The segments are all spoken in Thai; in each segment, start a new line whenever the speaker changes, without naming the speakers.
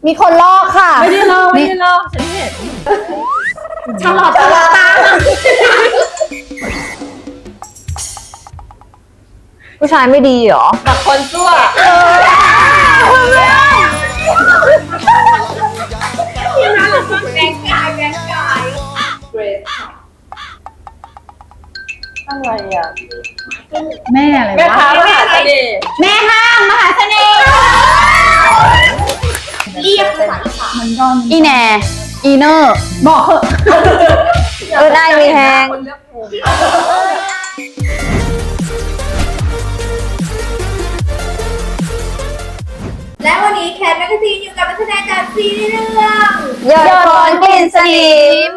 มีคนลอกค่ะ
ไม่ได้ลอกฉันเห็น
ฉลอดตาผู้ชายไม่ดีเหรอ
แบบคนซั่ว
ที่นั่นเราก็แกงกายเกรด
อะไรอ่ะ
แม่อะไรวะ
แม่ค้ามหาเสน่ห์
แม่ห้างมหาเสน่ห์
เรียกภาษาอีสาน
อีแหน่อีเนอร์บอกเถอะได้มีแทง
และวันนี้แคทแมกกาซีนอยู่กับนักแสดงจากซีรีส์เรื่อง
ยอดคนกลิ่นสนิม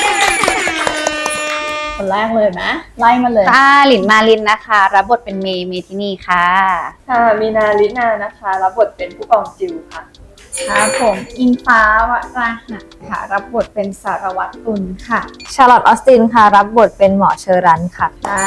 คนแรกเลยไหมไล่มาเลย
ค่ะหลินมาลินนะคะรับบทเป็นเมทินีค่ะ
ค่ะมีนาลินานะคะรับบทเป็นผู้กองจิวค่ะ
ค่ะผมอิงฟ้าวราหะค่ะรับบทเป็นสารวัตรตุลค่ะ
ชาร์ลอตออสตินค่ะรับบทเป็นหมอเชอรันค่ะ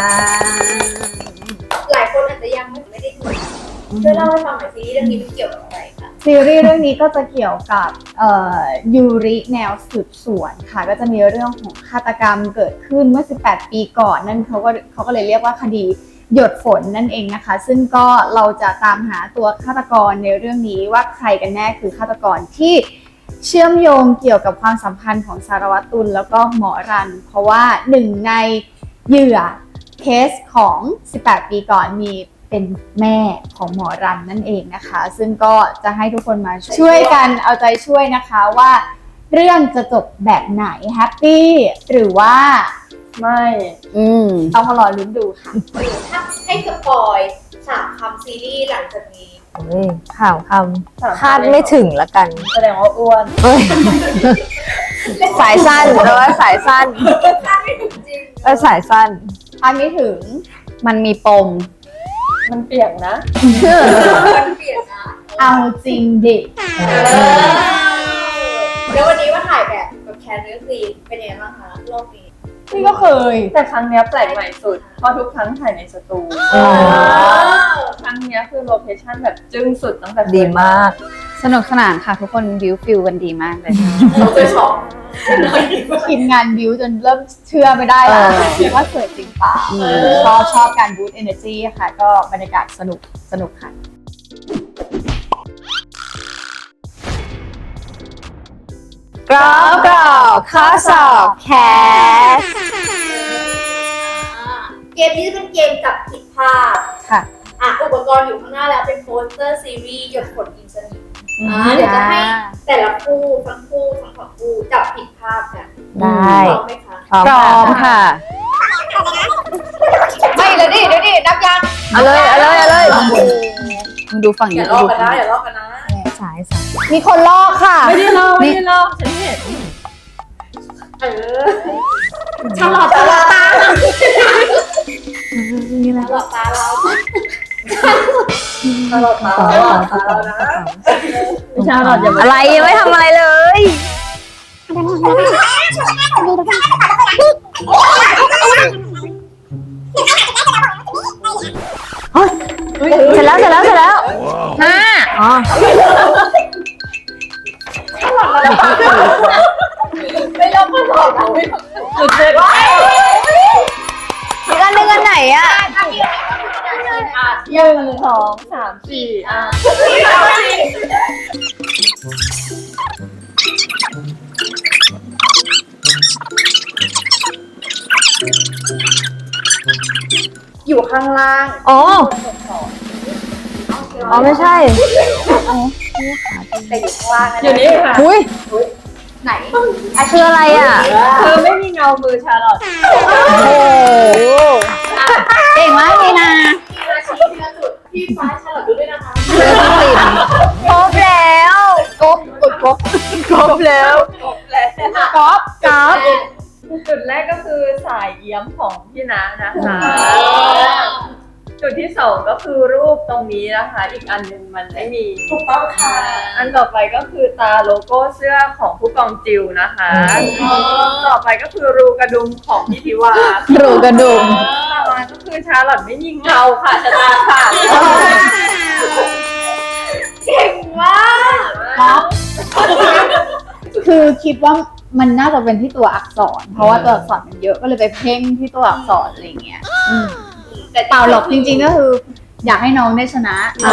หลายคนอาจจะยังไม่ได้ดูช่วยเล่าให้ฟังหน่อยซีรีส์เรื่องนี้มันเกี่ยวกับอะไรคะ
ซีรีส์เรื่องนี้ก็จะเกี่ยวกับยูริแนวสืบสวนค่ะก็จะมีเรื่องของฆาตกรรมเกิดขึ้นเมื่อ18ปีก่อนนั่นเขาก็เลยเรียกว่าคดีหยดฝนนั่นเองนะคะซึ่งก็เราจะตามหาตัวฆาตกรในเรื่องนี้ว่าใครกันแน่คือฆาตกรที่เชื่อมโยงเกี่ยวกับความสัมพันธ์ของสารวัตรตุลแล้วก็หมอรันเพราะว่าหนึ่งในเหยื่อเคสของ18ปีก่อนมีเป็นแม่ของหมอรันนั่นเองนะคะซึ่งก็จะให้ทุกคนมาช่วยกันเอาใจช่วยนะคะว่าเรื่องจะจบแบบไหนแฮปปี้หรือว่า
ไม่
ต้องมารอลุ้นดูค่ะ
ถ้าให้สปอย3 คำซีรีส์หลังจากนี้
ข่าวคำคาดไม่ถึงละกัน
แสดงว่าอ้วน
สายสั้นหรือว่าสายสั้น
คาดไม่ถึงจริง
สายสั้น
คาดไม่ถึง
มันมีปม
มันเปียกนะ
มันเปลี่ยนนะ
เอาจริงดิ
แล้ววันนี้ว่าถ่ายแบบกับแคนเนื้อครีมเป็นยังไงบ้างคะรอบนี้
นี่ก็เคย
แต่ครั้งนี้แปลกใหม่สุดเพราะทุกครั้งถ่ายในสตูครั้งนี้คือโลเคชั่นแบบจึ้งสุดตั้งแต่
ดีมากสนุกสนานค่ะทุกคนบิวฟิลกันดีมากเลย
เราจะช็อก
ทีมงานบิวจนเริ่มเชื่อไม่ได้แล้วว่าสวยจริงเปล่าชอบการบูสต์เอเนอร์จีค่ะก็บรรยากาศสนุกค่ะ
กรอบข้อสอบแคส
เกมนี้จะเป็นเกมจับผิดภาพ
ค่ะ
อุปกรณ์อยู่ข้างหน้าแล้วเป็นโปสเตอร์ซีรีส์หยดฝนกินสนิมเดี๋ยวจะให้แต่ละคู่ทั้งสองคู่จับผิดภาพกัน
ได้
พร้อมไหมคะ
พร้อมค่ะ
ไม่เดี๋ยวดินับยัง
เอาเลยมึงดูฝั่งนี้
อย่าลอกกันนะ
สายมีคนลอกค่ะ
ไม่ได้ลอกฉันเห็น
ฉลอดตา
นี่แหละ
ฉลอดตาเรา
นะชาลอตอย่า
อะไรยังไม่ทำอะไรเลยเสร็จแล้ว5อ๋อ
ไม่ลบข้อสอบ
สุดเด็ด
อีกอันนึงอันไหนอ่ะ
1 2 3 4
อยู่ข้างล่าง
อ๋อไม่ใช่
แต่อยู่ข้างล่างนะ
อยู่นี่ค่ะ
ไหน
คืออะไรอ่ะ
คือไม่มีเงามือชาลอต
โอ้เก่งมากเลยนะ
พี่ฟ้าฉลอดดูด้วยนะคะ
ครบแล้วครบแล้ว
จุดแรกก็คือสายเอี้ยมของพี่นะนะคะจุดที่2ก็คือรูปตรงนี้นะคะอีกอันนึงมันไม่มี
ถูกต้องค่ะ
อันต่อไปก็คือตาโลโก้เสื้อของผู้กองจิวนะคะต่อไปก็คือรูกระดุมของพี่ทิวา
รูกระดุม
ต่อมาก็คือชาลอตไม่ยิงเงาค่ะชะตาค่ะ
เก่งมาก
ก๊อฟคือคิดว่ามันน่าจะเป็นที่ตัวอักษร เพราะว่าตัวอักษรมันเยอะก็เลยไปเพ่งที่ตัวอักษรอะไรเงี้ยแต่เปล่าหรอกจริงๆก็คือ อยากให้น้องได้ชนะ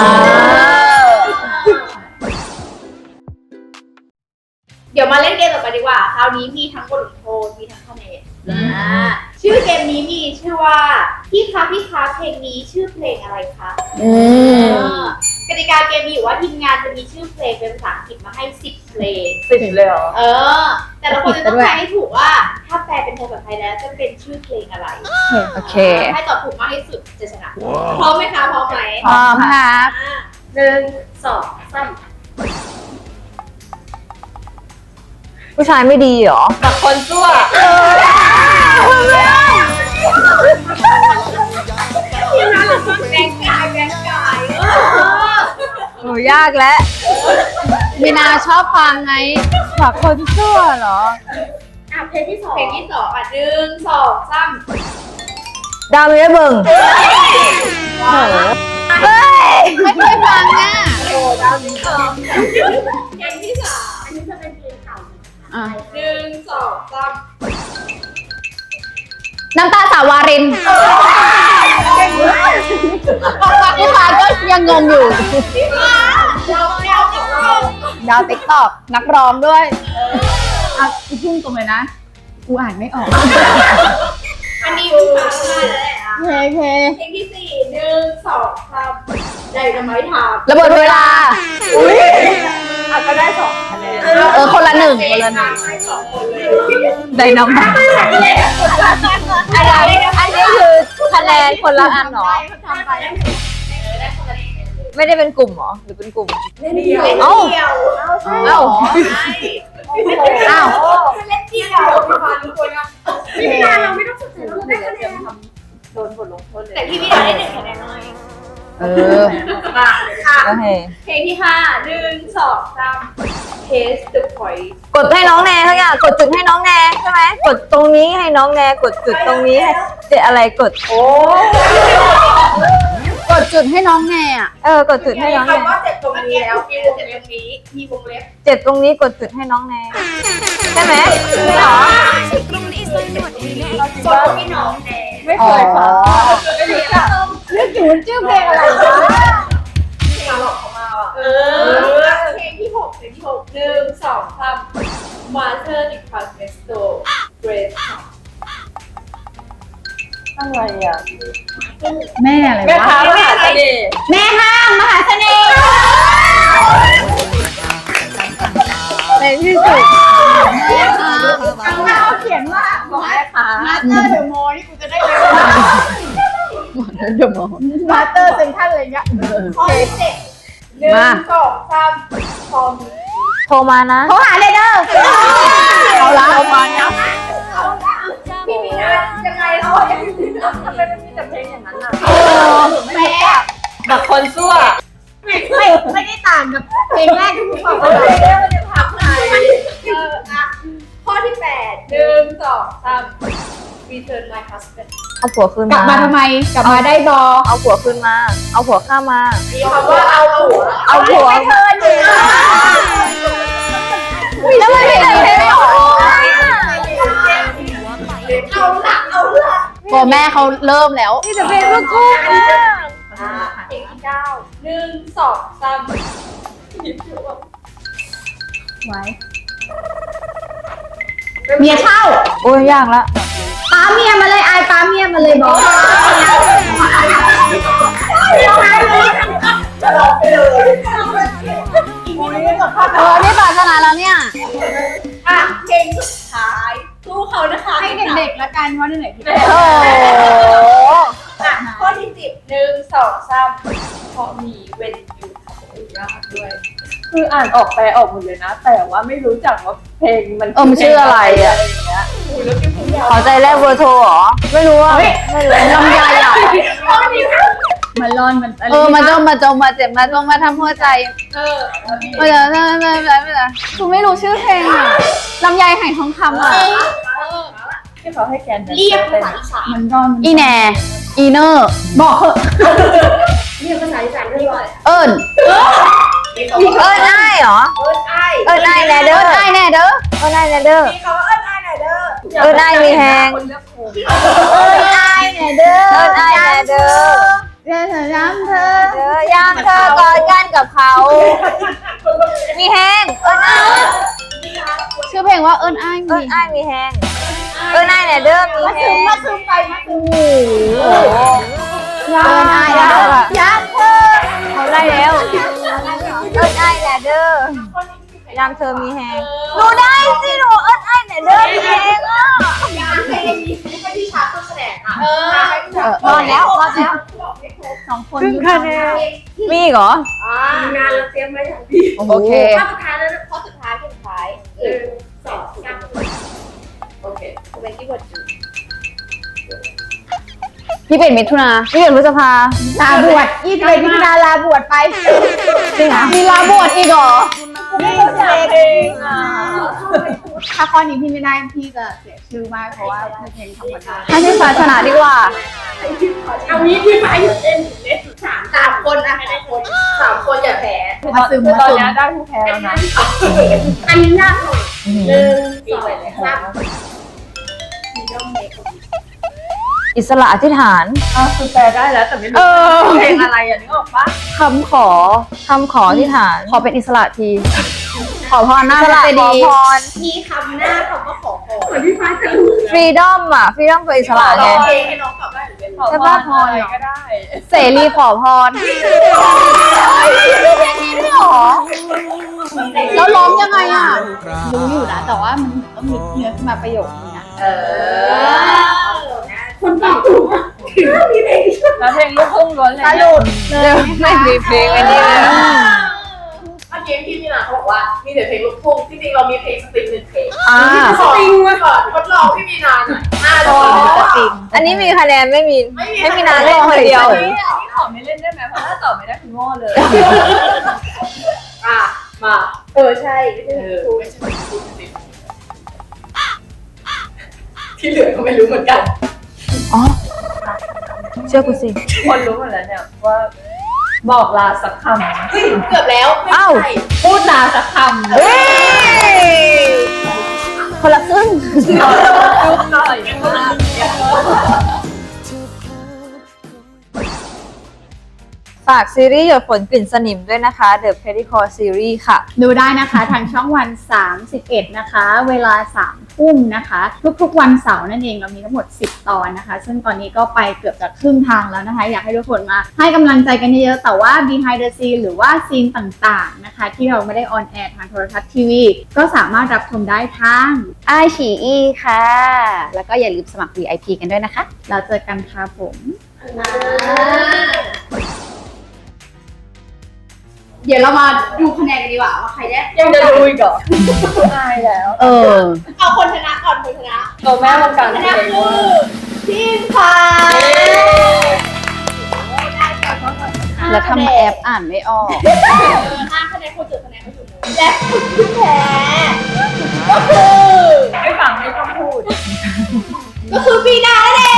เดี๋ยวมาเล่นเกมต่อไปดีกว่า คราวนี้มีทั้งบทลงโทษมีทั้งคะแนนชื่อเกมนี้มีชื่อว่าพี่คะเพลงนี้ชื่อเพลงอะไรคะกติกาเกมมีอยู่ว่าทีมงานจะมีชื่อเพลงเป็นภาษาอังกฤษมาให้10เพลง
10เลยเหรอ
แต่ละคนจะต้องทายให้ถูกว่าถ้าแปลเป็นภาษาไทยแล้วจะเป็นชื่อเพลงอะไร
โอเค
ให้ตอบถูกมากที่สุดจะชนะพร้อมไหมคะพร้อมไหม
พร้อมครับ
1 2 3
ผู้ชายไม่ดีเหรอ
กับคนซั่ว
ที่นั่นเราต้องแบงกาย
หนูยากแล้วมีนาชอบฟังไงฝากคนชั่วเหรอ
เพลงที่21 2 3
ดาวมีได้เบิ่งเฮ้ย
ไม่เคยฟังอ่ะ
เพลงที่3อันนี้จะเป็นเพลงเก่า1 2 3
น้ำตาสาวารินพี่ฟ้าก็ยังงงอยู่ ดาวติ๊กตอกนักร้องด้วย
อ่ะกูพุ่งตรงเลยนะ กูอ่านไม่ออก
อันนี้พี่ฟ้าได้แล้วแหละ
เพลง
เพลงที่4 1 2 3ใจทำไมถาม
ระเบิดเวลา
ก็ได้2คะแนน
คนละหนึ่ง
คนละหนึ่งให้2คนเลย
ไดนามิกอะไรอันนี้คือคะแนนคนละอันเหรอ
ทำไปได้คนละ1
ไม่ได้เป็นกลุ่มเหรอ หรือเป็นกลุ่ม
เล่นเดียว
เอ้า
ใช่
เอ้า
อ้าวเล่นเดียวพี่ฟ้าทุกคนอ่ะพี่พิธาเราไม่ต้องสนใจเราได้คะแนน
โดนบทลงโทษเลย
แต่พี่พิธาได้1คะแนนหน่อย
เออ
มาค่ะ
โอเค
เพลงที่5 1 2 3 Taste the point
กดให้น้องแนทั้งอย่างกดจุดให้น้องแนใช่ไหมกดตรงนี้ให้น้องแนกดจุดตรงนี้ให้เจอะไรกด
กดจุดให้น้องแน่อ่ะ
กดจุดให้น้องแน
คำว่าเจ็บตรงนี้แล้วมีวงเล็บนี้มีวงเล็บ
เจ็บตรงนี้กดจุดให้น้องแนใช่ไหมไม่หรอ
กดพี่น้องแน่
ไม่เคยฟังไม่รู้จัก
นึกถึงชื่อเพลงอะไรวะ
เพลงหลอกเขามาอ่ะ
เพลงที่6เพลงที่6 1 2 3 Master di Casto Grace
อะไรอ่ะ
แม่อะไร
แม่
วะ
ค้ามหาเสน่ห์
แม่ห้างมหาเสน่ห์
ในที่สุด
ข้างหน้าเขียนว่าบอก
แม่ค้า
มาสเตอร์เดอะมอลนี่กูจะได้เลยมาสเตอร์เซ็นทรัลอะไรเงี้ย
ข้อที่7 1 2 3พร้อม
โทรมานะ
โทรหาเลยเด้อเอาละเอามาเนี่ย
พี่มีนายังไงเรายัง
ทำไมมันมีแต่เพลงอย่างนั้นอ่ะ
แม่
กับคนซั่ว
ไม่ได้ต่างกับเพลงแรกที่กูฟัง
เพลงนี้มันจะทำไง
ข้อที่8 1 2 3 Return my husband
เอาผัวคืน
กลับ
มา
มาทำไมกลับมาได้บอ
เอาผัวคืนมา เอาผัวข้ามา
มีคำว่าเอาหัว
เอาผัว
เธออยู่
แล้วมันเป็นอะไรไม่ออก
เอาละ
ตัวแม่เขาเริ่มแล้ว
นี่จะเป็นลูกกุ้ง
เพลงที่9 1 2 3
ไว้เมียเช่า
โอ้ยยากละ
ป้าเมียมาเลยอายป้าเมียมาเลยบอกนี่ปรารถนาแล้วเนี่ย
อ่ะเพลงสุดท้ายสู้เขานะคะ
ให้เด็กๆละกันเพราะเด็กๆ
โอ้
อ่ะข้อที่10 1 2 3พอมีเว้นอยู่ยากด้วย
คืออ่านออกแปลออกหมดเลยนะ แต่ว่าไม่รู้จักว่าเพลงมัน
มันชื่ออะไรอ่ะ
อย่างเงี้ย
แล้วพี่คุณยาว
ขอใจแรกเบอร์โทรเหรอ ไม่รู้อ่ะไม่รู้ลำไยอ่ะ
ข้อที่
มันร้อนมัน
มันจงมาเจ็บมาจงมาทำหัวใจ ไม่ได้คุณไม่รู้ชื่อเพลงอ่ะลำไยไหทองคำอ่ะ
ที่เขาให้แกน
เรียกภาษาอีสาน
มันร้อน
อีแหน่อีเนอร์
บอกเหอะ
เรียกภาษาอีสานเรียกว่าอะไร
เอิญ
เรียก
เอิญไอ้
เหรอ
เอิ้นไอ้
เอิ้นไอ้แน่เด้อ
ได้แน่เด้อ
เอิ้นไอ้แน่เด้อ
มีคำว่าเอิ้นไอ้หน่อยเด้อ
เอิ้นไอ้มีแฮง
คนเลือกถูก
เอิ้นไอ้หน่อยเด้อ
เอิ้นไอ้แน่เด้อ
เดี๋ยวเธอย้ำเธอ
เด้อยามเธอกอดกันกับเขา มีแฮงเอิ้นไอ้
ชื่อเพลงว่าเอิ้นอ้าย
เอิ้
มี
นไอ้มีแฮงเอิ้นไอ้แน่เด้อมีแฮง
มาซึมไปมาซึม
โอ้โห
เอิ้นอ้ายได้ค่ะ
ย้ำเธอ
เขาได้แล้ว เอิ้นไอ้แน่เด้อยามเธอมีแฮงหนูได้สิหนูเอิ้นไอ้แน่เด้อมีแฮงอ่ะ
ย้ำเพลงนี้ไม่ที่ชาร์ตต้นแสดงอ่ะ
รอดแล้วรอดแล้ว
สองคน
ครึ่งคะแนนมีอีกเหรอ
งานเราเตรียมไว้อย่างดี
โอเค
ข้อสุดท้ายแล้วข้อสุดท้ายข้อสุดท้าย1 2 3โอเคเป็นที่บทจู
21 มิถุนา
21 พฤษภา
ลาบวช21 มิถุนาลาบวชไป
จริงเหรอมีลาบวชอีกเหรอ
ไม่เข้าใจถ้าข้อนี้พี่ไม่ได้พี่จะเสียชื่อมากเพราะว่าเพลงธรรมดา
ให้พี่ฟ้าชนะดีกว่า
เอางี้พี่ไม้หยุดเล่นเล่น3 คนอะ3 คนอย่าแพ้
มาซึม
คือ
มา
ตอน
ซึม
นี้ได้ผู้แพ้แล้วนะ
อันนี้ยากหน่อย1 2 3มีด้อมเมค
อิสระอธิษฐาน
คือแปลได้แล้วแต่ไม่รู้เพลงอะไรอ่ะนึกออกปะ
คำขอ
คำขออธิษฐาน
ขอเป็นอิสระที ขอพรหน้า
อิส
พระ
ระ
เจ
ขอ
ดีย์
พร
มีคำหน้าคำว่าขอพรเหมือนพี่ฟ้าจะรู้
ฟรีดอมอ่ะ ฟรีดอมกับอิสระไง
เพลงให้น้องตอบได้หรือเป็น
ขอ
ใช่
พ
ปะ
รอะไรก็ได้
เสรีขอพรแล้วร้องยังไงอ่ะ
รู้อยู่นะแต่ว่ามันต้องนึกเนื้อขึ้นมาประโยคนึงนะ
คนตอบถูกมีเพลง
แล้วเพลงลูกทุ่งล้วนเลย
สรุป
ไม่มีเพลงอันนี้เลย
เมื่อกี้พี่มีนาเขาบอกว่ามีแต่เพลงลูกทุ่งจริงๆเรามีเพลงสตริง1 เพลง สตริงมาก่อนทดลองพี่มีนาหน่อย
อันนี้มีคะแนนไม่มีนานเล่นคนเดียว
อันนี้ขอไม่เล่นได้ไหมเพราะถ้าตอบไม่ได้คือโง่เลย
มาใช่ไม่ใช่ลูกทุ่งที่เหลือก็ไม่รู้เหมือนกัน
อ๋อ เชื่อกูสิ
คนรู้หมดแล้วเนี่ยว่าบอกลาสักค
เกือบแล้วไม่ใช่
ำพูดลาสักคำ
เฮ้ย
คนละครึ่ง
ยุบหน่อย
ฝากซีรีส์หยดฝนกลิ่นสนิมด้วยนะคะ The Petticoat Series ค่ะ
ดูได้นะคะทางช่องวัน 31 นะคะ เวลา 3 ทุ่มนะคะ ทุกๆวันเสาร์นั่นเองเรามีทั้งหมด 10 ตอนนะคะ ซึ่งตอนนี้ก็ไปเกือบจะครึ่งทางแล้วนะคะ อยากให้ทุกคนมาให้กำลังใจกันเยอะๆแต่ว่า behind the scene หรือว่าซีนต่างๆนะคะ ที่เราไม่ได้ออนแอร์ทางโทรทัศน์ทีวีก็สามารถรับชมได้ทาง
ไอฉีอีค่ะ แล้วก็อย่าลืมสมัคร VIP กันด้วยนะคะ
เราเจอกันค่ะผม
เดี๋ยวเรามาดูคะแนนกันดีกว่าว่าใครได้
ยังจะดูอีกเหรอตายแล้ว
เออ
เอาคนชนะก่อนคนชนะ
ตัวแม่วงการ
ช
เพล
นะ
ง
คือทีมฟ้า
แล้วทำแอปอ่านไม่ออก
5 คะแนนคนจุดคะแนนเขาอยู่เลยและผู้แพ้ก็คือ
ไม่ฟังไม่ต้องพูด
ปีนานั่นเอง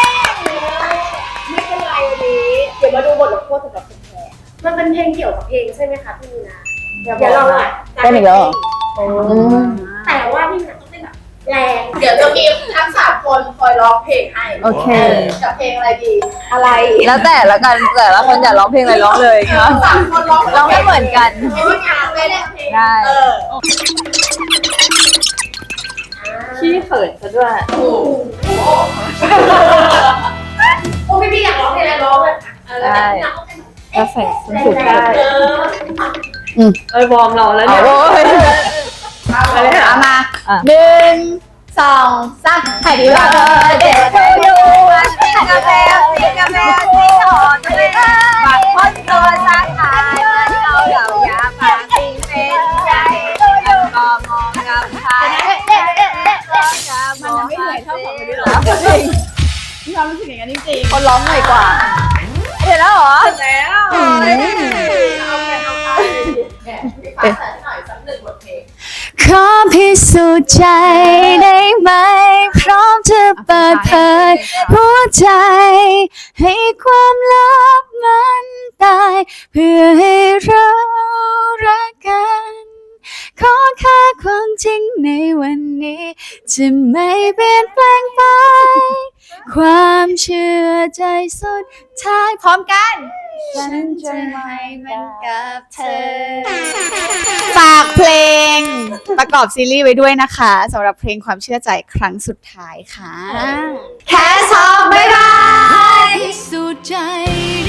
ไม่เป็นไรวันนี้เดี๋ยวมาดูบทลงโทษสำหรับคนแพ้มันเป็นเพลงเกี่ยวกับเพลงใช่ไหมคะพี่มีนาเดี๋ยวเรา
เป็นอีกแล้วเหรอ
แต่ว่าพี่มีนาต้องเต้นแบบแรงเดี๋ยวจะมีทั้ง3 คนคอยร้องเพลงให้
โอเค
กับเพลงอะไรดีอะไร
แล้วแต่ละกันแต่ละคนอยากร้องเพลงอะไรร้องเลยนะ
3 คนร้อง
ร้องไม่เหมือนกัน
ไม่ได้งานไม่ได้เพลง
ได้
ขี้เขินซะด้วย
โอ้พี่อยากร้องเพลงอะไรร้องเลยค่ะ
ได้
แล้วใส่ส้นสูง
ได้วอร์มรอแล้ว
เอา
เนี่ย
โว้ย
อะไรหามา
1 2 3ถ่ายดีว่า
เด็กเธออยู่กินกาแฟกินกาแฟที่ถอนไม่ได้บัดพ้นตัวสาขาเราอย่าพาสิ่งเป็นใจก็มองกับใครมันไม่เหนื่อยเท่าของคนนี้หรอ
มีความรู้สึกอย่างนั้นจริงๆ
คนร้องหน่อยกว่า
เห็นแล้วเหรอ
แล้ว
เอาไปพี่ฟ้าใส่หน่อยสัก1 บทเพลง
ขอพิสูจน์ใจได้ไหมพร้อมจะเปิดเผยหัวใจให้ความลับมันตายเพื่อให้เรารักกันขอแค่ความจริงในวันนี้จะไม่เปลี่ยนแปลงไปความเชื่อใจสุดท้ายพร้อมกันฉันจะให้มันกับเธอฝากเพลงประกอบซีรีส์ไว้ด้วยนะคะสำหรับเพลงความเชื่อใจครั้งสุดท้ายค่ะแค่สองบ๊ายบายสุดใจ